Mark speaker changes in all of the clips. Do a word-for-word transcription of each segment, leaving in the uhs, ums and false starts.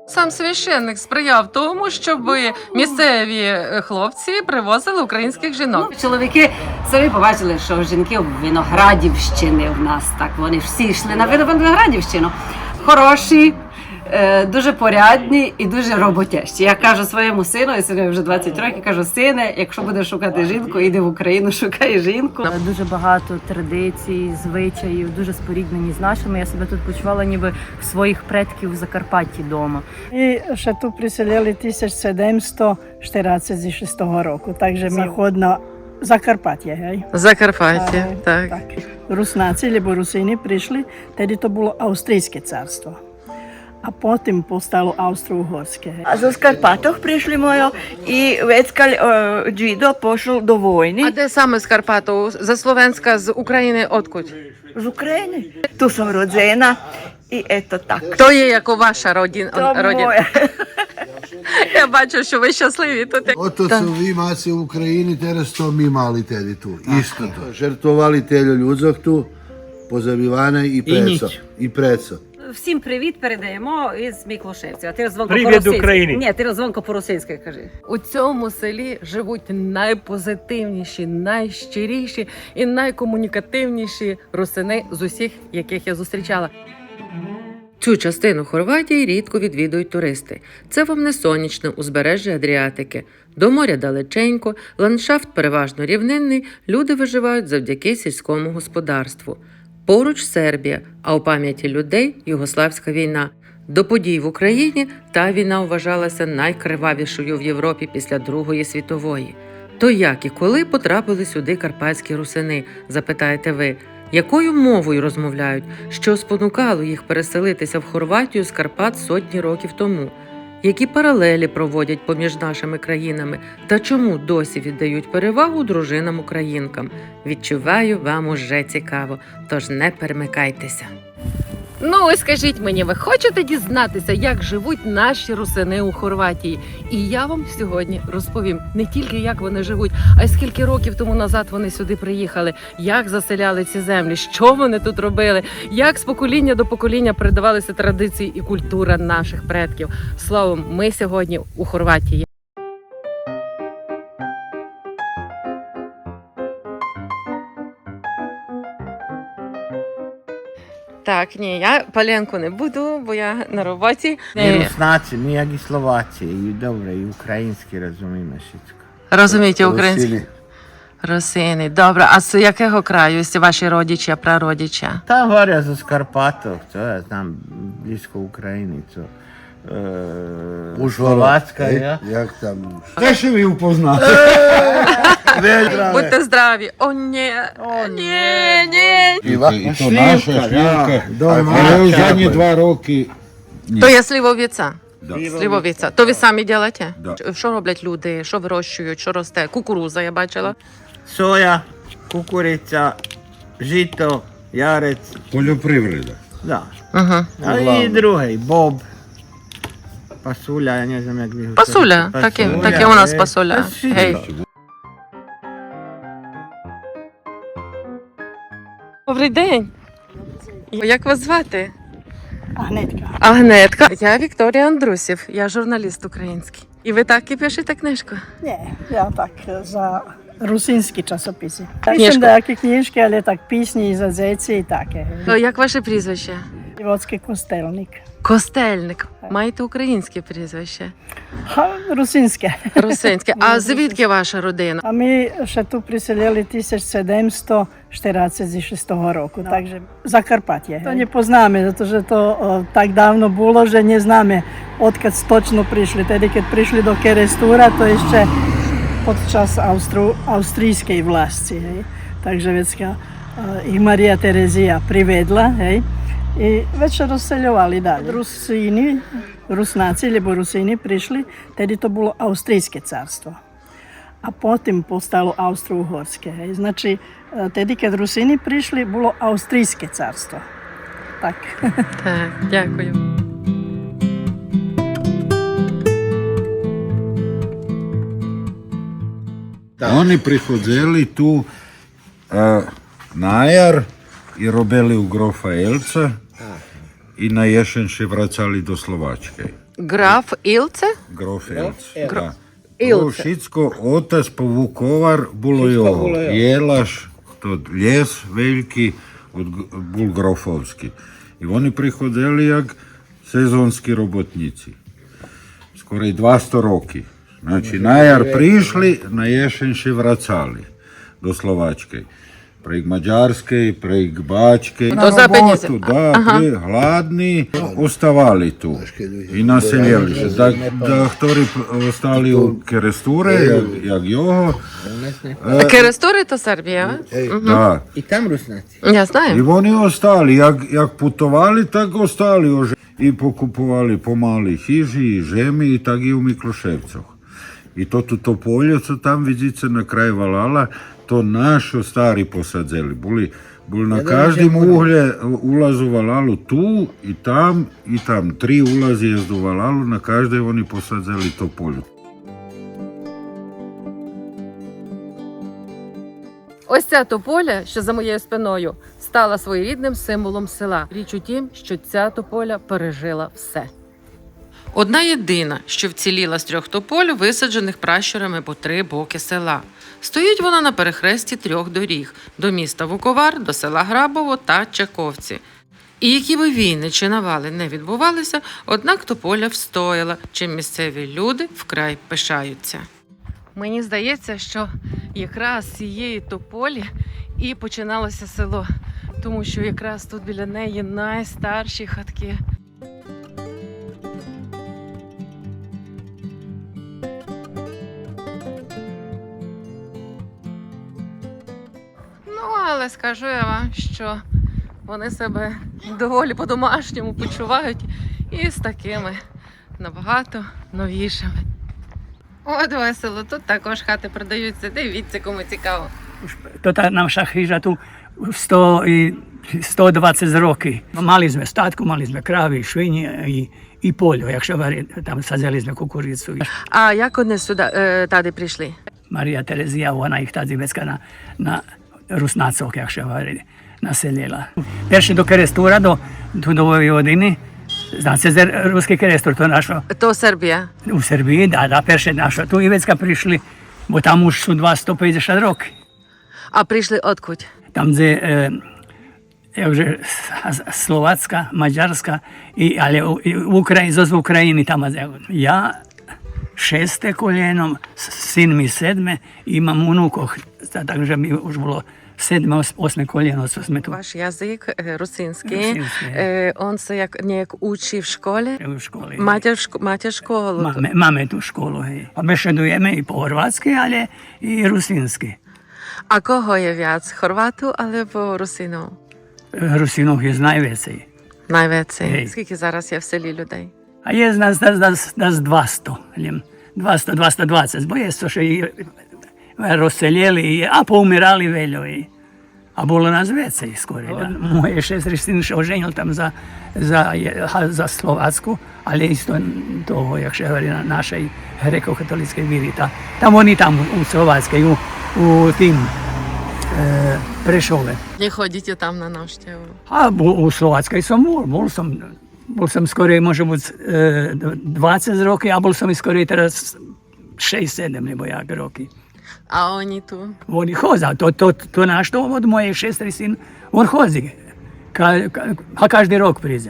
Speaker 1: Сам священник сприяв тому, щоб місцеві хлопці привозили українських жінок.
Speaker 2: Ну, чоловіки самі побачили, що жінки Виноградівщини в нас, так, вони всі йшли на Виноградівщину. Хороші, е, дуже порядні і дуже роботящі. Я кажу своєму сину, і сину вже двадцять років, кажу: сине, якщо будеш шукати жінку, іди в Україну, шукай жінку.
Speaker 3: Дуже багато традицій, звичаїв, дуже споріднені з нашими. Я себе тут почувала ніби в своїх предків в Закарпатті вдома.
Speaker 4: І ще тут приселили тисяча сімсот чотирнадцять шостого року, takže ми ходимо Закарпаття, гей?
Speaker 1: Закарпаття,
Speaker 4: Е,
Speaker 1: так.
Speaker 4: так. Руснаці, або русини прийшли, тоді то було Австрійське царство. А потім постало Австро-Угорське.
Speaker 5: A zo Skarpatoh prišli mojo i već kad uh, Džido pošel do vojni
Speaker 1: А де саме з Карпату? За Словенська, з України, откудь?
Speaker 5: z Ukrajine. Tu sam rođena i eto tako.
Speaker 1: То є як у ваша родина?
Speaker 5: To
Speaker 1: родина.
Speaker 5: moje.
Speaker 1: Я бачу, що ви щасливі тут.
Speaker 6: Ото su vi maci u Ukrajini, teraz to mi mali tedi tu. Isto to. Žrtvovali telju ľudzok tu, pozabivane i preco. I preco.
Speaker 2: Всім привіт передаємо із Міклушевців. А ти розвонко
Speaker 7: Привіт
Speaker 2: по-російськи.
Speaker 7: Україні.
Speaker 2: Ні, ти розвонко по-російськи кажи.
Speaker 1: У цьому селі живуть найпозитивніші, найщиріші і найкомунікативніші русини з усіх, яких я зустрічала. Цю частину Хорватії рідко відвідують туристи. Це вам не сонячне узбережжя Адріатики. До моря далеченько, ландшафт переважно рівнинний, люди виживають завдяки сільському господарству. Поруч Сербія, а у пам'яті людей – Югославська війна. До подій в Україні та війна вважалася найкривавішою в Європі після Другої світової. То як і коли потрапили сюди карпатські русини, запитаєте ви? Якою мовою розмовляють? Що спонукало їх переселитися в Хорватію з Карпат сотні років тому? Які паралелі проводять поміж нашими країнами? Та чому досі віддають перевагу дружинам-українкам? Відчуваю, вам уже цікаво, тож не перемикайтеся. Ну, ось скажіть мені, ви хочете дізнатися, як живуть наші русини у Хорватії? І я вам сьогодні розповім не тільки, як вони живуть, а й скільки років тому назад вони сюди приїхали, як заселяли ці землі, що вони тут робили, як з покоління до покоління передавалися традиції і культура наших предків. Словом, ми сьогодні у Хорватії. Так, ні, я паленку не буду, бо я на роботі.
Speaker 8: Ми руснаці, ми як і словаці, і добре, і українські розуміємо wszystko.
Speaker 1: Розумієте українську?
Speaker 6: Rusini.
Speaker 1: Русини. Добре, а з якого краю? З ваші родичі, прародичі?
Speaker 8: Та горя за Скарпатов, то я знам, близько України, то е, Словацька, я.
Speaker 6: Jak tam?
Speaker 7: Де ще ви упознали?
Speaker 1: Будьте здраві. О, ні. О, ні, ні.
Speaker 6: Piva.
Speaker 7: І то наша швівка.
Speaker 6: Дома.
Speaker 7: Але останні два роки
Speaker 1: То є сливовиця.
Speaker 7: Да.
Speaker 1: Сливовиця. То ви самі робите?
Speaker 7: Да.
Speaker 1: Що роблять люди? Що вирощують? Що росте? Кукуруза, я бачила.
Speaker 8: Соя, кукуриця, жито, ярець,
Speaker 7: Полюпривреда.
Speaker 8: да.
Speaker 1: Угу.
Speaker 8: А і другий, боб, пасуля, я не знаю, як ви
Speaker 1: Пасуля. Таке, таке у нас пасуля. Гей. Добрий день. Як вас звати?
Speaker 4: Агнетка.
Speaker 1: Агнетка. Я Вікторія Андрусів, я журналіст український. І ви так і пишете книжку?
Speaker 4: Ні, я так за русинські часописи.
Speaker 1: Книжку.
Speaker 4: Пишем деякі книжки, але так пісні і зазеці і таке.
Speaker 1: То як ваше прізвище?
Speaker 4: Дівоцький костельник.
Speaker 1: Костельник. Маєте українське прізвище?
Speaker 4: Ха, русинське.
Speaker 1: Русинське. А звідки ваша родина?
Speaker 4: А ми ще тут приселили тисяча сімсот чотирнадцять шостого року, takže Закарпаття. To не познаємо, тому що то о, так давно було, що не знаємо, откад точно прийшли. Тоді, коли прийшли до Керестура, то ще під час Австру, австрійської власті. Hej. Takže vecka їх Марія Терезія приведла, hej. І вечір розселювали далі. Русини, руснаці, або русини прийшли, тоді то було Австрійське царство. А потім постало Австро-Угорське. Значить, тоді, коли русини прийшли, було Австрійське царство. Так.
Speaker 1: Так, дякую.
Speaker 7: Oni prihodzeli tu e, na jar i robili u grofa Elca i na jesen še vracali do Slovačke.
Speaker 1: Граф Ілце?
Speaker 7: Грофелц. Да.
Speaker 1: Ілце.
Speaker 7: To všetko otac povukovar bolo jeho. Jelaš, to ljes veljki, od, bol grofovski. I oni prihodili jak sezonski robotnici. Skoro i dvjesto roki. Znači, na jar prišli, na jesen še vracali do Slovačke. Prek Mađarske, prek Bačke.
Speaker 1: To za penjeze.
Speaker 7: Da, pri, hladni, ostavali tu i naseljali se. Da, da htori ostali u Keresture, jak, jak Joho.
Speaker 1: Керестори то Сербія?
Speaker 7: Da.
Speaker 8: I tam Rusnaci.
Speaker 1: Я
Speaker 7: I
Speaker 1: знаю.
Speaker 7: oni ostali, jak, jak putovali, tak ostali ože. I pokupovali pomali hiži i žemi i tak i u Mikloševcoch. I to tu to polje, co tam vidite na kraju Valala, to naši stari posadzeli. Boli, boli na každem uhlje ulazu Valalu tu i tam i tam. Tri ulazi jezdu Valalu, na každej oni posadzeli to polje.
Speaker 1: Ось ця тополя, що за моєю спиною, стала своєрідним символом села. Річ у тім, що ця тополя пережила все. Одна єдина, що вціліла з трьох тополь, висаджених пращурами по три боки села. Стоїть вона на перехресті трьох доріг – до міста Вуковар, до села Грабово та Чаковці. І які би війни чи навали не відбувалися, однак тополя встояла, чим місцеві люди вкрай пишаються. Мені здається, що якраз з цієї тополі і починалося село, тому що якраз тут біля неї найстарші хатки. Ну, але скажу я вам, що вони себе доволі по-домашньому почувають і з такими набагато новішими. От весело, тут також хати продаються, дивіться, кому цікаво.
Speaker 4: To tá naša chyža tu sto i sto dvadsať roky. Mali sme statku, mali sme krávy, švinie i, i poljo, jak šavari, tam sadzeli sme kukuricu.
Speaker 1: А як вони сюди, е, tady прийшли?
Speaker 4: Marija Terezija, ona ih tad zivecka na, na Rusnacok, jak šavari, naseljela. Perši do Kerestura, do, tu do Vojvodiny, zna se za ruski Kerestur, to našo
Speaker 1: То Сербія.
Speaker 4: u Srbiji, da, da, perše našo tu i vecka prišli, bo tam už su dvesto pedeset roky.
Speaker 1: А прийшли откудь?
Speaker 4: Tam gdje, e, jakže, Slovacka, Mađarska, i, ali u, i u Ukrajini, zos u Ukrajini tamo. Ja šeste koljenom, sin mi sedme, imam unukov, takže mi už bilo sedme, os- osme koljeno, co sme tu
Speaker 1: Ваш язик е, русинський.
Speaker 4: Русинський.
Speaker 1: Е, Он се як ніяк учив в школі.
Speaker 4: u školi.
Speaker 1: Матір, в шко- матір школу.
Speaker 4: Máme, máme tu školu, hej. A bešedujeme i po hrvatsky, ale i rusinsky.
Speaker 1: А кого є в'яц? Хорвату або русину?
Speaker 4: Rusinov je najvecej.
Speaker 1: Найвеці.
Speaker 4: Гей.
Speaker 1: Скільки зараз є в селі людей?
Speaker 4: A je nas, nas, nas, nas dvesto, ljem, dvesto, dvesto dvadeset, bo je to še i rozseljeli, i- a poumirali veljo i. A bilo nas vecej skoro. Da. Moje šestri sin še oženil tam za, za, je- ha, za Slovacku, ali isto to, jak še govori, na našej grekokatolickej viri. Ta, tam oni tam u Slovackej, u, u tim e, Prešove.
Speaker 1: Не ходіть там на навштіву.
Speaker 4: A bu, u Slovackej som bol, bol som, bol som skorej, može byť e, dvadsať roky, a bol som i skorej teraz šesť sedem, nebo jak roky.
Speaker 1: А вони tu.
Speaker 4: Oni hoza, to, to, to naš to od moje šestri sin, on hozi, ka, ka, a každý rok príde.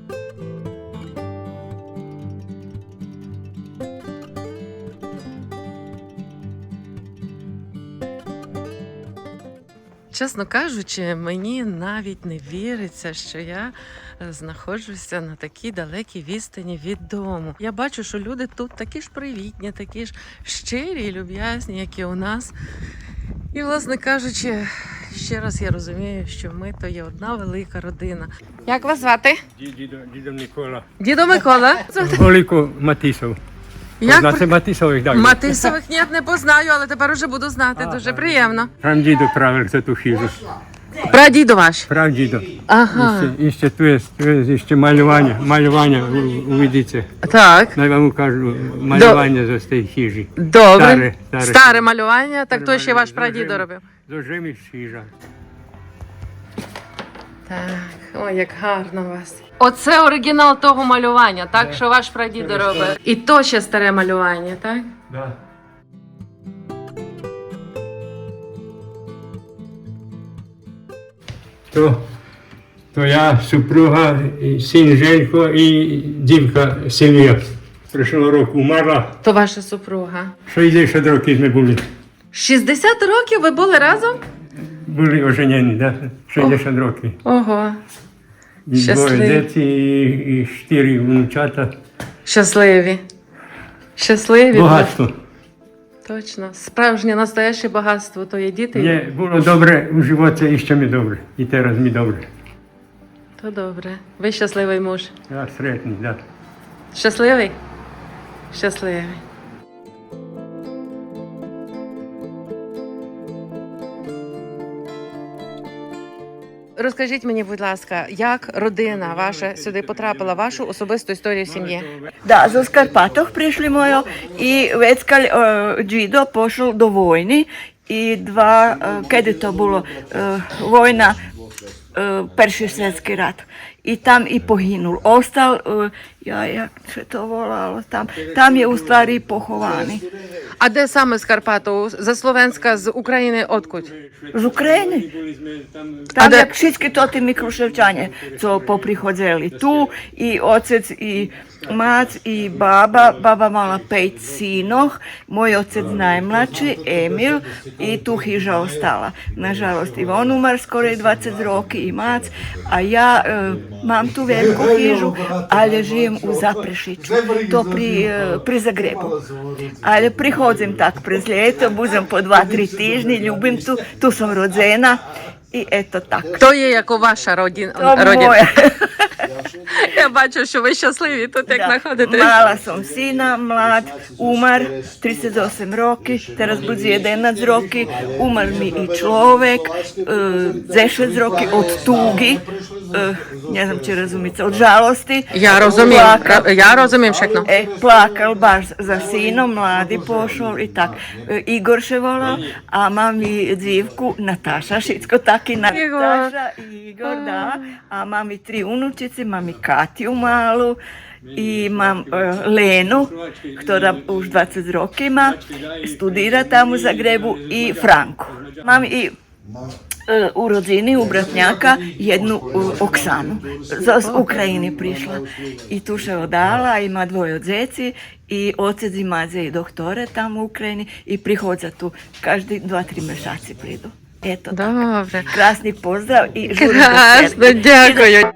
Speaker 1: Чесно кажучи, мені навіть не віриться, що я е, знаходжуся на такій далекій відстані від дому. Я бачу, що люди тут такі ж привітні, такі ж щирі і люб'язні, як і у нас. І, власне кажучи, ще раз я розумію, що ми то є одна велика родина. Як вас звати?
Speaker 9: Дідо, дідо Микола.
Speaker 1: Дідо Микола.
Speaker 9: Голіко Матисов.
Speaker 1: Як
Speaker 9: Знаєте
Speaker 1: ви-
Speaker 9: Матисових, так?
Speaker 1: Матисових ні, не познаю, але тепер уже буду знати. Дуже приємно.
Speaker 9: Прав дідо правив за ту хижу.
Speaker 1: Прадідо ваш.
Speaker 9: Прав дідо.
Speaker 1: Ага.
Speaker 9: Іще, іще tu je, tu je іще малювання, малювання у- увидіться.
Speaker 1: Так.
Speaker 9: Най вам укажу малювання за стей хижі.
Speaker 1: Добре.
Speaker 9: Старе, старе.
Speaker 1: Старе малювання, так то ще ваш
Speaker 9: Старе
Speaker 1: прадідо
Speaker 9: малювання.
Speaker 1: робив.
Speaker 9: Зожимі хижа.
Speaker 1: Так, ой, як гарно у вас. Оце оригінал того малювання, так? Що ваш прадідо робив. І то ще старе малювання, так?
Speaker 9: Да. То, то я, супруга, і син Женько і дівка Сильвія. Прийшлого року вмерла.
Speaker 1: То ваша супруга.
Speaker 9: шістдесят років ми були.
Speaker 1: шістдесят років ви були разом?
Speaker 9: Були оженені, да? шістдесят років.
Speaker 1: Ого.
Speaker 9: І двоє
Speaker 1: Щасливі.
Speaker 9: дітей, і, і чотири внучата.
Speaker 1: Щасливі. Щасливі.
Speaker 9: Багатство.
Speaker 1: Точно. Справжнє настояще багатство то є діти.
Speaker 9: Мені було добре у животі, і ще ми добре. І зараз ми добре.
Speaker 1: То добре. Ви щасливий муж.
Speaker 9: Я середній, да.
Speaker 1: Щасливий? Щасливий. Розкажіть мені, будь ласка, як родина ваша сюди потрапила, вашу особисту історію сім'ї?
Speaker 5: Да, zo Skarpatoh prišli mojo i Veckal uh, Džido pošel do vojni i dva, uh, kad je to bilo, uh, vojna, uh, Perši svjetski rat. I tam i pohinul. Ostal, uh, ja, jak se to volalo, tam, tam je u stvari pohovani.
Speaker 1: А де саме з Карпату? За Словенська, з України, откудь?
Speaker 5: Z Ukrajine.
Speaker 1: A
Speaker 5: Tam
Speaker 1: da-
Speaker 5: jak všetky to tí Mikluševčane, co poprichodzeli tu, i otec, i mac, i baba. Baba mala pet sinoh, moj otec najmlači, Emil, i tu hiža ostala. Nažalost, i on umar skoro dvadeset roki, i mac, a ja e, mam tu veliku hižu, ali živim u Zaprešiću, to pri, e, pri Zagrebu. Ali prihodzim tak prez ljeto, budem po dva, tri tižni, ljubim tu, tu sam rodzena i eto tako.
Speaker 1: То є як у ваша родина.
Speaker 5: To
Speaker 1: родина.
Speaker 5: moje.
Speaker 1: Я бачу, що ви щасливі тут, як
Speaker 5: Da.
Speaker 1: знаходитесь.
Speaker 5: Mala sam sina, mlad, umar, trideset osam roki, teraz bude jedenaest roki, umar mi i človek, uh, deset roki od tugi, uh, ne znam če razumite, od žalosti.
Speaker 1: Я розумію,
Speaker 5: Plakal.
Speaker 1: ра- я розумію, Šekno.
Speaker 5: E, plakal baš za sinom, mladi pošol i tak. E, Igor še volal, a mam i dzivku Nataša, šitsko taki Nataša i Igor, da. A mam i tri unučice, mam i Katju malu, i mam e, Lenu, która už dvadeset roki ima, studira tamo u Zagrebu, i Franku. Mam i e, u rodzini, u bratnjaka, jednu e, Oksanu. Z, z Ukrajine prišla. I tu še odala, ima dvoje od zeci, i otec i madze i doktore tamo u Ukrajini, i prihodza tu. Každi dva, tri mešaci pridu. Eto, tako.
Speaker 1: Добре.
Speaker 5: Krasni pozdrav i žurim do
Speaker 1: Красно,
Speaker 5: cerkve.
Speaker 1: дякую.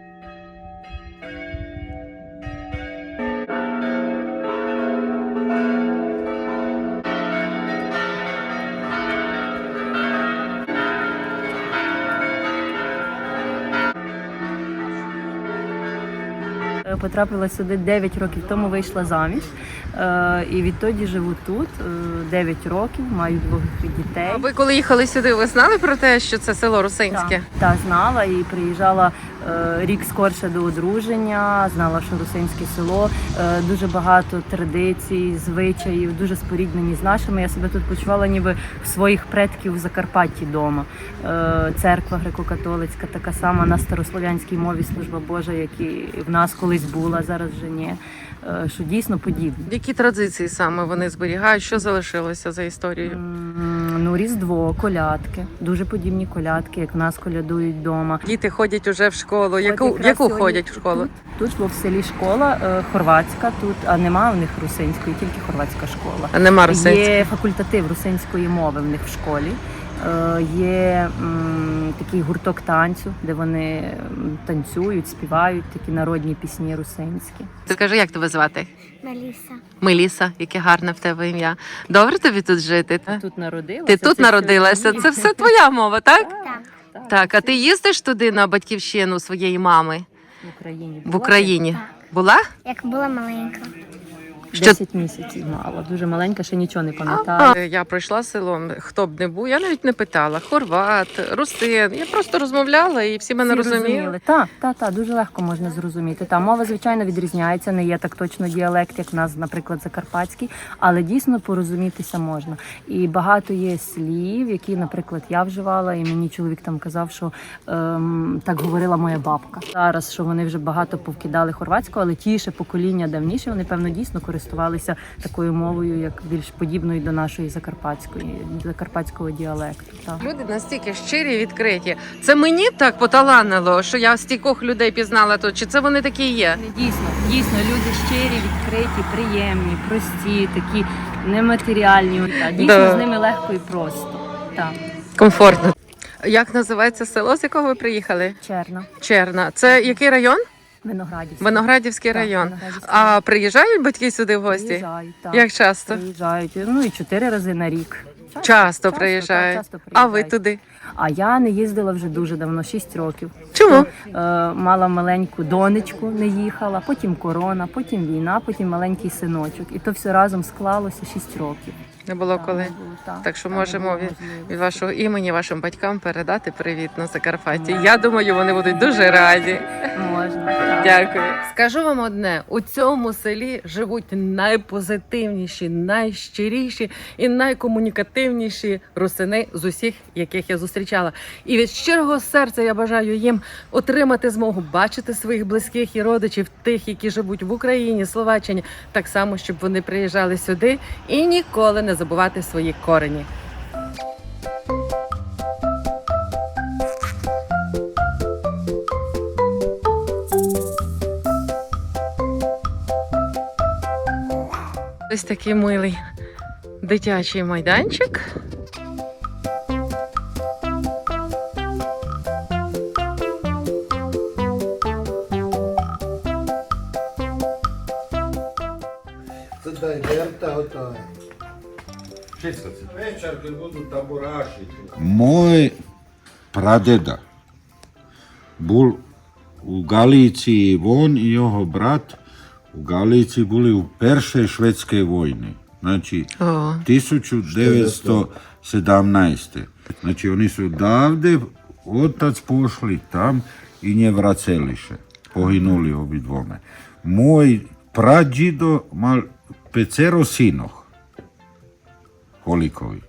Speaker 3: Е, Потрапила сюди дев'ять років тому, вийшла заміж. Е, І відтоді живу тут е, дев'ять років, маю двох дітей.
Speaker 1: А ви коли їхали сюди, ви знали про те, що це село Русинське?
Speaker 3: Так, та, знала і приїжджала е, рік скорше до одруження, знала, що Русинське село, е, дуже багато традицій, звичаїв, дуже споріднені з нашими. Я себе тут почувала ніби в своїх предків в Закарпатті вдома. Е, церква греко-католицька, така сама на старослов'янській мові служба Божа, як і в нас колись була, зараз вже ні. Е, що дійсно подібне.
Speaker 1: Які традиції саме вони зберігають? Що залишилося за історією?
Speaker 3: М, Ну, Різдво, колядки, дуже подібні колядки, як в нас колядують вдома.
Speaker 1: Діти ходять уже в школу.
Speaker 3: От
Speaker 1: Яку,
Speaker 3: якраз
Speaker 1: яку
Speaker 3: сьогодні
Speaker 1: ходять в школу?
Speaker 3: Тут, тут бо в селі школа е, хорватська, тут, а нема в них русинської, тільки хорватська школа.
Speaker 1: А нема русинської?
Speaker 3: Є факультатив русинської мови в них в школі. Е, Є м, такий гурток танцю, де вони м, танцюють, співають такі народні пісні русинські.
Speaker 1: Ти скажи, як тебе звати?
Speaker 10: Меліса.
Speaker 1: Меліса, яке гарне в тебе ім'я. Добре тобі тут жити?
Speaker 3: Ти тут народилася?
Speaker 1: Ти тут
Speaker 3: це
Speaker 1: народилася,
Speaker 3: все-
Speaker 1: це все твоя мова, так?
Speaker 10: Так.
Speaker 1: Так, а ти їздиш туди на батьківщину своєї мами
Speaker 3: В Україні.
Speaker 1: в Україні?
Speaker 10: Так.
Speaker 1: Була?
Speaker 10: Як була маленька.
Speaker 1: Що-
Speaker 3: десять місяців мала, дуже маленька, ще нічого не пам'ятаю.
Speaker 1: А, я пройшла селом, хто б не був, я навіть не питала. Хорват, русин. Я просто розмовляла і всі мене
Speaker 3: Всі
Speaker 1: розуміли.
Speaker 3: Так, так, так, дуже легко можна зрозуміти. Та мова, звичайно, відрізняється, не є так точно діалект, як в нас, наприклад, закарпатський, але дійсно порозумітися можна. І багато є слів, які, наприклад, я вживала, і мені чоловік там казав, що ем, так говорила моя бабка. Зараз, що вони вже багато повкидали хорватську, але ті ще покоління давніше, вони, певно, дійсно користувалися такою мовою, як більш подібною до нашої закарпатської, закарпатського діалекту. Так.
Speaker 1: Люди настільки щирі, відкриті. Це мені так поталанило, що я стількох людей пізнала тут. Чи це вони такі є?
Speaker 3: Дійсно, дійсно, люди щирі, відкриті, приємні, прості, такі нематеріальні. Та, дійсно,
Speaker 1: Да.
Speaker 3: з ними легко і просто. Так,
Speaker 1: Комфортно. Як називається село, з якого ви приїхали?
Speaker 3: Черна,
Speaker 1: Черна. Це який район?
Speaker 3: Виноградівська.
Speaker 1: Виноградівський
Speaker 3: Так,
Speaker 1: район.
Speaker 3: Виноградівський.
Speaker 1: А приїжджають батьки сюди в гості?
Speaker 3: Приїжджають, так.
Speaker 1: Як часто?
Speaker 3: Приїжджають, ну і чотири рази на рік. Часто,
Speaker 1: Часто
Speaker 3: так,
Speaker 1: приїжджають.
Speaker 3: часто
Speaker 1: А ви
Speaker 3: приїжджають.
Speaker 1: туди?
Speaker 3: А я не їздила вже дуже давно, шість років.
Speaker 1: Чому?
Speaker 3: Е, мала маленьку донечку, не їхала, потім корона, потім війна, потім маленький синочок. І то все разом склалося шість років.
Speaker 1: Не було
Speaker 3: Так,
Speaker 1: коли.
Speaker 3: не було, так,
Speaker 1: Так що
Speaker 3: так, не
Speaker 1: можемо
Speaker 3: було
Speaker 1: від,
Speaker 3: можливості.
Speaker 1: від вашого імені вашим батькам передати привіт на Закарпатті. Я думаю, вони будуть дуже раді.
Speaker 3: Можна. так.
Speaker 1: Дякую. Скажу вам одне: у цьому селі живуть найпозитивніші, найщиріші і найкомунікативніші русини з усіх, яких я зустрічала. І від щирого серця я бажаю їм отримати змогу бачити своїх близьких і родичів, тих, які живуть в Україні, Словаччині, так само, щоб вони приїжджали сюди і ніколи не забувати свої корені. Ось такий милий дитячий майданчик.
Speaker 6: Це дай Берта, ото.
Speaker 7: Večer kad budu taboraši. Moj pradeda bol u Galícii von i jeho brat u Galícii boli u Peršej švedskej vojni. Znači,
Speaker 1: О,
Speaker 7: tisuću devetsto sedamnaeste. Znači, oni su davde otac pošli tam i nje vraceliše. Poginuli obi dvome. Moj prađido mal pecero sinoh. Kolikovi.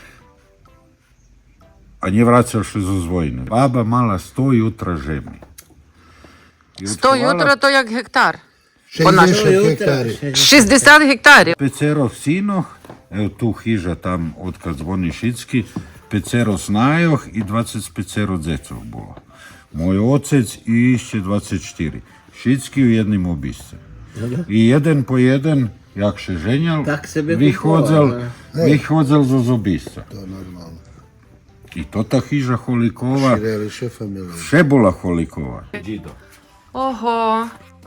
Speaker 7: A nje vraćao še zo zvojne. Baba mala sto jutra žemi. I
Speaker 1: сто
Speaker 7: otkovala
Speaker 1: ютро то як гектар.
Speaker 6: šezdeset hektari.
Speaker 1: шістдесят гектарів.
Speaker 7: Pecerov sinoh, evo tu hiža tam odkad zvoni Šicki, pecero snajoh i dvadeset pecero dzecov bilo. Moj ocec i išće dvadeset četiri. Šicki u jednim obiscem. I jedan po jedan, jak še ženjal,
Speaker 8: Tak sebe
Speaker 7: vychodzel,
Speaker 8: kupoval,
Speaker 7: vychodzel zo zobisca.
Speaker 6: To je normalno.
Speaker 7: I to ta hiža Holikova,
Speaker 6: Šireliše familije.
Speaker 7: še bola Holikova. Đido.
Speaker 1: Ого.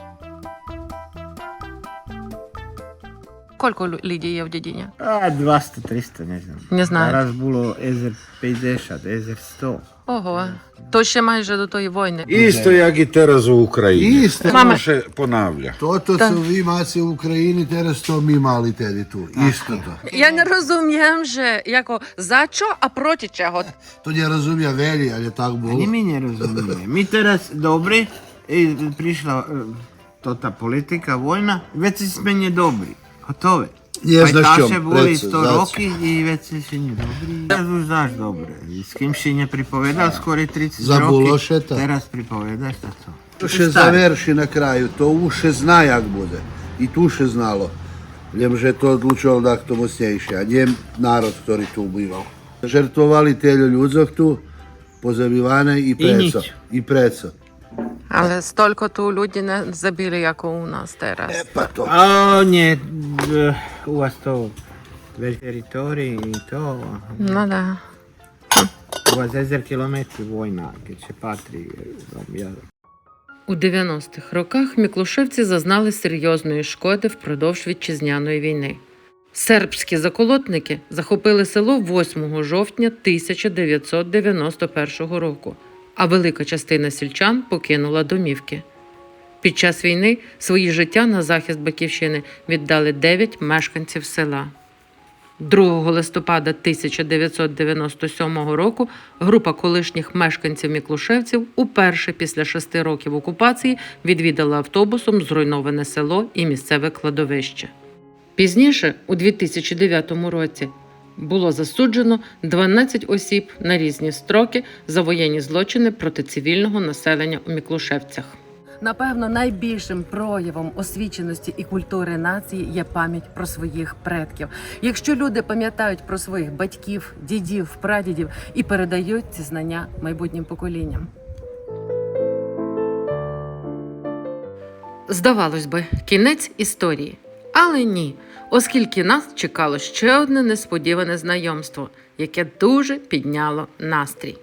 Speaker 1: Koliko ljudi je v Djedinja?
Speaker 8: A, dvesta, trista, ne znam.
Speaker 1: Не знаю.
Speaker 8: Зараз було езер п'ятдесят, езер сто.
Speaker 1: Ого. То ще майже до тої війни.
Speaker 7: Isto jak i teraz u Ukrajini.
Speaker 6: Isto.
Speaker 7: Samo še ponavlja.
Speaker 6: To to su vi maci u Ukrajini, teraz to mi mali tedi tu. Isto to.
Speaker 1: Я не розумію вже, яко за що, а проти чого.
Speaker 6: To ne razumija veli, ali je tak
Speaker 8: Ni
Speaker 6: bilo.
Speaker 8: mi ne razumije. Mi teraz dobri, i prišla e, to ta politika, vojna, već si smenje dobri. Gotove.
Speaker 6: Nie znaš
Speaker 8: Pajtaše
Speaker 6: čom,
Speaker 8: boli
Speaker 6: preco,
Speaker 8: sto
Speaker 6: znači.
Speaker 8: roki i već si še nie dobri. Teraz už znaš dobre. I s kim si ne pripovedal skoro trideset
Speaker 6: Za
Speaker 8: roki,
Speaker 6: Bulošeta.
Speaker 8: teraz pripovedaš šta to.
Speaker 6: To še završi na kraju, to uše zna jak bude. I tu še znalo. Ljem že to odlučilo da to mocnejše, a njem narod, ktorý tu ubival. Žrtvovali telju ľudzok tu, pozabivane i preco.
Speaker 8: nič.
Speaker 6: I preco.
Speaker 1: Але стільки ту люди не забили, як у нас зараз.
Speaker 6: E pa to.
Speaker 8: A on je e, u vas to već teritorij i to.
Speaker 1: Ну да.
Speaker 8: U vas ezer kilometri vojna, gdje će patri. Ja,
Speaker 1: У дев'яностих роках міклушевці зазнали серйозної шкоди впродовж вітчизняної війни. Сербські заколотники захопили село восьмого жовтня тисяча дев'ятсот дев'яносто першого року, а велика частина сільчан покинула домівки. Під час війни свої життя на захист Батьківщини віддали дев'ять мешканців села. другого листопада тисяча дев'ятсот дев'яносто сьомого року група колишніх мешканців Міклушевців уперше після шести років окупації відвідала автобусом зруйноване село і місцеве кладовище. Пізніше, у дві тисячі дев'ятому році, було засуджено дванадцять осіб на різні строки за воєнні злочини проти цивільного населення у Міклушевцях. Напевно, найбільшим проявом освіченості і культури нації є пам'ять про своїх предків. Якщо люди пам'ятають про своїх батьків, дідів, прадідів і передають ці знання майбутнім поколінням. Здавалось би, кінець історії. Але ні, оскільки нас чекало ще одне несподіване знайомство, яке дуже підняло настрій.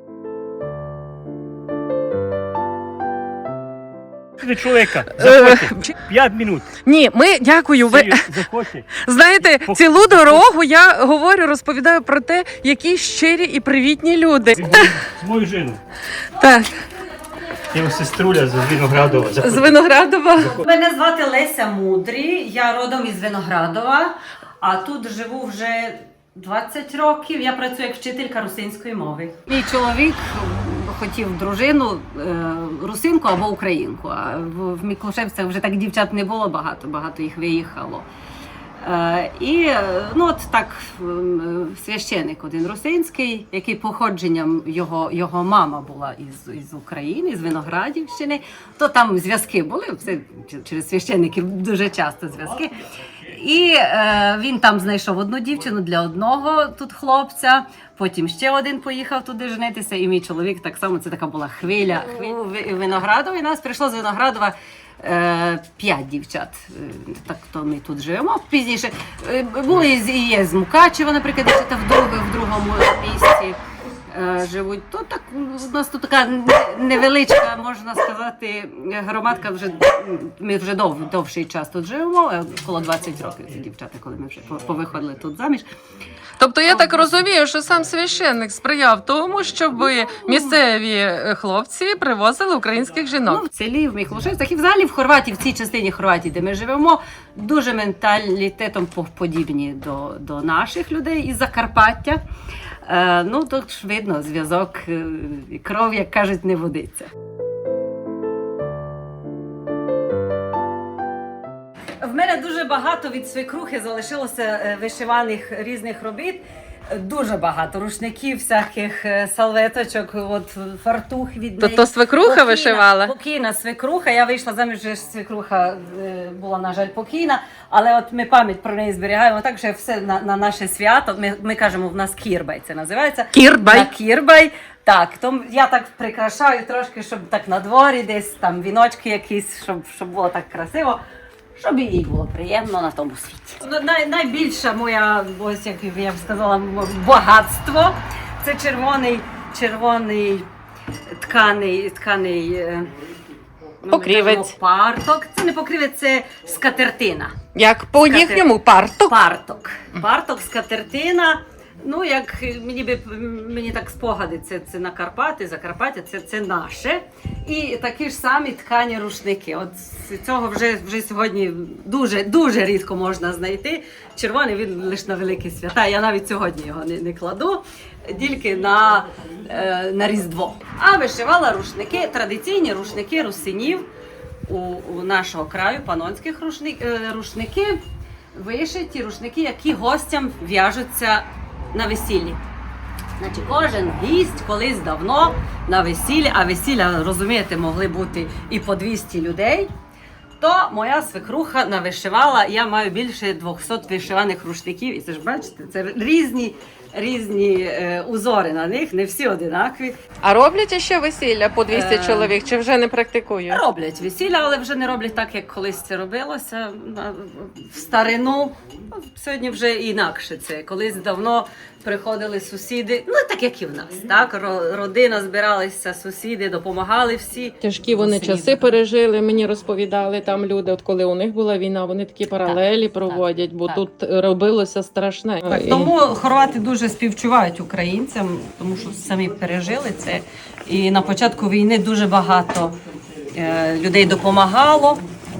Speaker 10: Чоловіка, заходьте. П'ять минут.
Speaker 1: Ні, ми дякую. Ви
Speaker 10: Заходьте.
Speaker 1: знаєте, цілу дорогу я говорю, розповідаю про те, які щирі і привітні люди.
Speaker 10: З мою жину.
Speaker 1: Так,
Speaker 10: Я сеструля з Виноградова.
Speaker 1: з Виноградова.
Speaker 2: Мене звати Леся Мудрі, я родом із Виноградова, а тут живу вже двадцять років. Я працюю як вчителька русинської мови. Мій чоловік хотів дружину е, русинку або українку, а в, в Міклушевцях вже так дівчат не було багато, багато їх виїхало. Е, і ну от так священик один русинський, який походженням його, його мама була із, із України, з Виноградівщини, то там зв'язки були, все через священиків дуже часто зв'язки. І е, він там знайшов одну дівчину для одного тут хлопця, потім ще один поїхав туди женитися, і мій чоловік так само, це така була хвиля, хвиля в Виноградові. Нас прийшло з Виноградова е, п'ять дівчат, е, так то ми тут живемо. Пізніше е, були і є з Мукачева, наприклад, дівчата в, друг, в другому місці е, живуть. То так, у нас тут така невеличка, можна сказати, громадка, вже, ми вже дов, довший час тут живемо, коло двадцять років ці дівчата, коли ми вже повиходили тут заміж.
Speaker 1: Тобто я так розумію, що сам священник сприяв тому, щоб місцеві хлопці привозили українських жінок.
Speaker 2: Ну, в селі, в Міклушевцях і взагалі в Хорватії, в цій частині Хорватії, де ми живемо, дуже менталітетом подібні до, до наших людей із Закарпаття. Е, ну, тут ж видно, зв'язок, е, кров, як кажуть, не водиться. В мене дуже багато від свекрухи залишилося вишиваних різних робіт. Дуже багато рушників, всяких салветочок, от фартух від неї.
Speaker 1: То, то свекруха покійна, вишивала?
Speaker 2: Покійна свекруха. Я вийшла заміж, вже свекруха була, на жаль, покійна. Але от ми пам'ять про неї зберігаємо так, що все на, на наше свято. Ми, ми кажемо, в нас кірбай це називається.
Speaker 1: Кірбай?
Speaker 2: На кірбай. Так, то я так прикрашаю трошки, щоб так на дворі десь, там віночки якісь, щоб, щоб було так красиво. Щоб їй було приємно на тому світі. Най, найбільша моя, ось як я б сказала, багатство – це червоний, червоний тканий, тканий
Speaker 1: покрівець.
Speaker 2: Парток. Це не покрівець, це скатертина.
Speaker 1: Як по
Speaker 2: Скатер...
Speaker 1: їхньому парток?
Speaker 2: Парток. Парток, скатертина. Ну, як мені би мені так спогади, це, це на Карпати, Закарпаття, це, це наше. І такі ж самі ткані рушники. От цього вже, вже сьогодні дуже, дуже рідко можна знайти. Червоний він лише на великі свята. Я навіть сьогодні його не, не кладу, тільки на, е, на Різдво. А вишивала рушники, традиційні рушники русинів у, у нашого краю, панонських рушник, е, рушники, вишиті рушники, які гостям в'яжуться на весіллі. Значить, кожен гість колись давно на весіллі, а весілля, розумієте, могли бути і по двісті людей, то моя свекруха навишивала, я маю більше двохсот вишиваних рушників, і це ж бачите, це різні, різні е, узори на них, не всі одинакові.
Speaker 1: А роблять ще весілля по двісті
Speaker 2: Е,
Speaker 1: чоловік, чи вже не практикують?
Speaker 2: Роблять весілля, але вже не роблять так, як колись це робилося в старину. Сьогодні вже інакше це. Колись давно приходили сусіди, ну так як і в нас, так? Родина збиралася, сусіди, допомагали всі.
Speaker 1: Тяжкі вони
Speaker 2: Сусіди.
Speaker 1: часи пережили, мені розповідали там люди, от коли у них була війна, вони такі паралелі
Speaker 2: так,
Speaker 1: проводять, бо
Speaker 2: так.
Speaker 1: тут робилося страшне.
Speaker 2: Так,
Speaker 1: І-
Speaker 2: тому хорвати дуже співчувають українцям, тому що самі пережили це. І на початку війни дуже багато е, людей допомагало.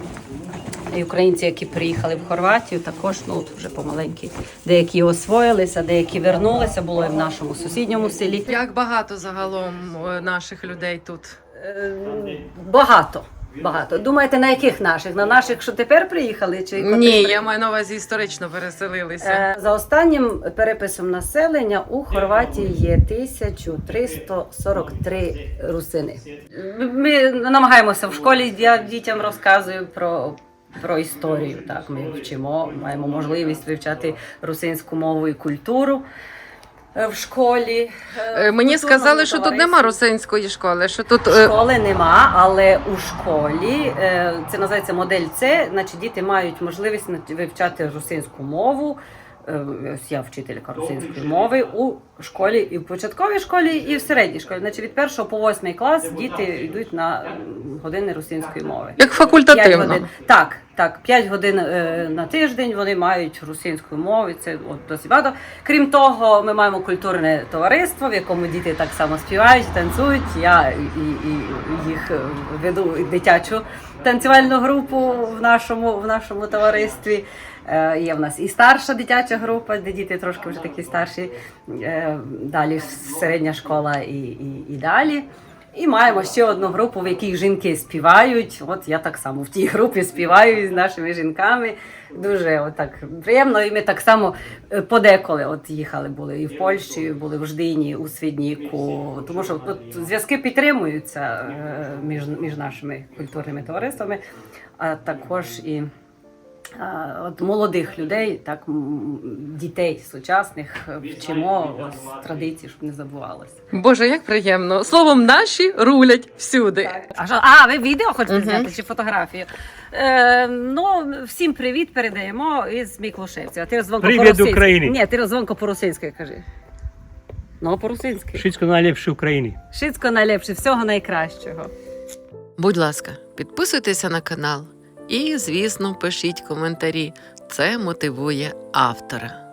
Speaker 2: І українці, які приїхали в Хорватію, також ну, от вже помаленькі. Деякі освоїлися, деякі вернулися, було і в нашому сусідньому селі.
Speaker 1: Як багато загалом е, наших людей тут?
Speaker 2: Е, Багато. Багато. Думаєте, на яких наших? На наших, що тепер приїхали? Чи котрі
Speaker 1: Ні,
Speaker 2: при-
Speaker 1: я маю на увазі історично переселилися.
Speaker 2: Е, За останнім переписом населення у Хорватії є тисяча триста сорок три русини. Ми намагаємося в школі, я дітям розказую про, про історію. Так, ми вчимо, маємо можливість вивчати русинську мову і культуру е, в школі.
Speaker 1: Е, Мені сказали, що тут нема русинської школи, що тут е,
Speaker 2: Школи нема, але у школі е, це називається модель С, значить діти мають можливість нав- вивчати русинську мову. Е, Ось я вчителька русинської мови у школі, і в початковій школі, і в середній школі. Значить від першого по восьмий клас діти йдуть на м, години русинської мови.
Speaker 1: як
Speaker 2: П'ять
Speaker 1: факультативно.
Speaker 2: годин. Так, так, п'ять годин е, на тиждень вони мають русинську мову, і це от, досить багато. Крім того, ми маємо культурне товариство, в якому діти так само співають, танцюють. Я і, і, і їх е, веду дитячу танцювальну групу в нашому, в нашому товаристві. Е, Є в нас і старша дитяча група, де діти трошки вже такі старші, е, далі середня школа і, і, і далі. І маємо ще одну групу, в якій жінки співають. От я так само в тій групі співаю з нашими жінками. Дуже отак приємно. І ми так само е, подеколи от їхали, були і в Польщі, були в Ждині, у Свідніку. Тому що тут зв'язки підтримуються е, між, між нашими культурними товариствами, а також і а, от молодих людей, так м, дітей сучасних вчимо ось традиції, щоб не забувалося.
Speaker 1: Боже, як приємно. Словом, наші рулять всюди.
Speaker 2: А, що, а ви відео хочете
Speaker 1: Мгм.
Speaker 2: зняти чи фотографію? Е, ну, всім привіт передаємо із Міклушевця. А ти дзвонко
Speaker 10: Привіт
Speaker 2: по-русинськи.
Speaker 10: Україні.
Speaker 2: Ні, ти дзвонко по-русинськи кажи. Ну, по-русинськи.
Speaker 10: Wszystko najlepsze w Україні.
Speaker 2: Шицько найлепше, всього найкращого.
Speaker 1: Будь ласка, підписуйтеся на канал і, звісно, пишіть коментарі. Це мотивує автора.